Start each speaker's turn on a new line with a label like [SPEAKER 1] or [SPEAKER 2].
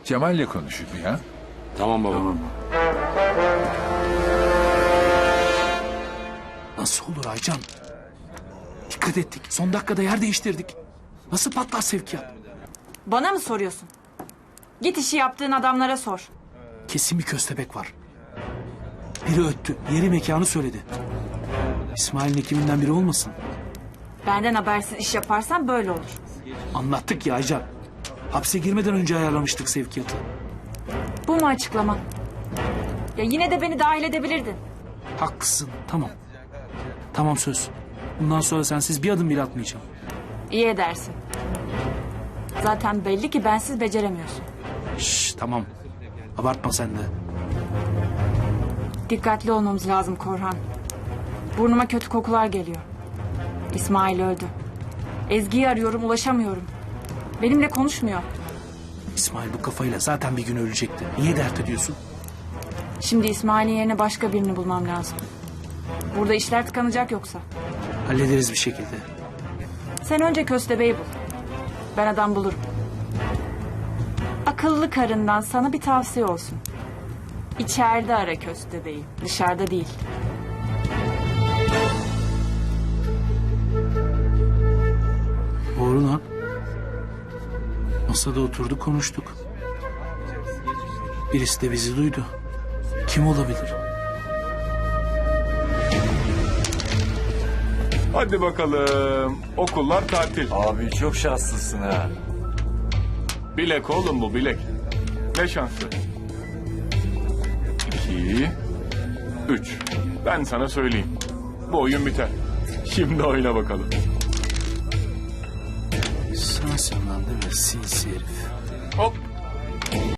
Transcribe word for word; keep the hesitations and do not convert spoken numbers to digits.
[SPEAKER 1] Cemal'le konuşayım ya.
[SPEAKER 2] Tamam baba.
[SPEAKER 3] Tamam. Nasıl olur Aycan? Dikkat ettik. Son dakikada yer değiştirdik. Nasıl patlar sevkiyat?
[SPEAKER 4] Bana mı soruyorsun? Git işi yaptığın adamlara sor.
[SPEAKER 3] Kesin bir köstebek var. Biri öttü. Yeri mekanı söyledi. İsmail'in ekibinden biri olmasın?
[SPEAKER 4] Benden habersiz iş yaparsan böyle olur.
[SPEAKER 3] Anlattık ya Aycan. Hapse girmeden önce ayarlamıştık sevkiyatı.
[SPEAKER 4] Bu mu açıklaman? Ya yine de beni dahil edebilirdin.
[SPEAKER 3] Haklısın. Tamam. Tamam söz. Bundan sonra sensiz bir adım bile atmayacağım.
[SPEAKER 4] İyi edersin. Zaten belli ki bensiz beceremiyorsun.
[SPEAKER 3] Şşş tamam. Abartma sen de.
[SPEAKER 4] Dikkatli olmamız lazım Korhan. Burnuma kötü kokular geliyor. İsmail öldü. Ezgi'yi arıyorum, ulaşamıyorum. Benimle konuşmuyor.
[SPEAKER 3] İsmail bu kafayla zaten bir gün ölecekti. Niye dert ediyorsun?
[SPEAKER 4] Şimdi İsmail'in yerine başka birini bulmam lazım. Burada işler tıkanacak yoksa.
[SPEAKER 3] Hallederiz bir şekilde.
[SPEAKER 4] Sen önce köstebeği bul. Ben adam bulurum. Akıllı karından sana bir tavsiye olsun. İçeride ara köstebeği, dışarıda değil.
[SPEAKER 3] Doğru lan. Masada oturduk konuştuk. Birisi de bizi duydu. Kim olabilir?
[SPEAKER 5] Hadi bakalım. Okullar tatil.
[SPEAKER 6] Abi çok şanslısın ha.
[SPEAKER 5] Bilek oğlum bu bilek. Ne şansı. İki. Üç. Ben sana söyleyeyim. Bu oyun biter. Şimdi oyna bakalım.
[SPEAKER 3] Sensin lan değil mi? Sinsi herif.
[SPEAKER 5] Hop.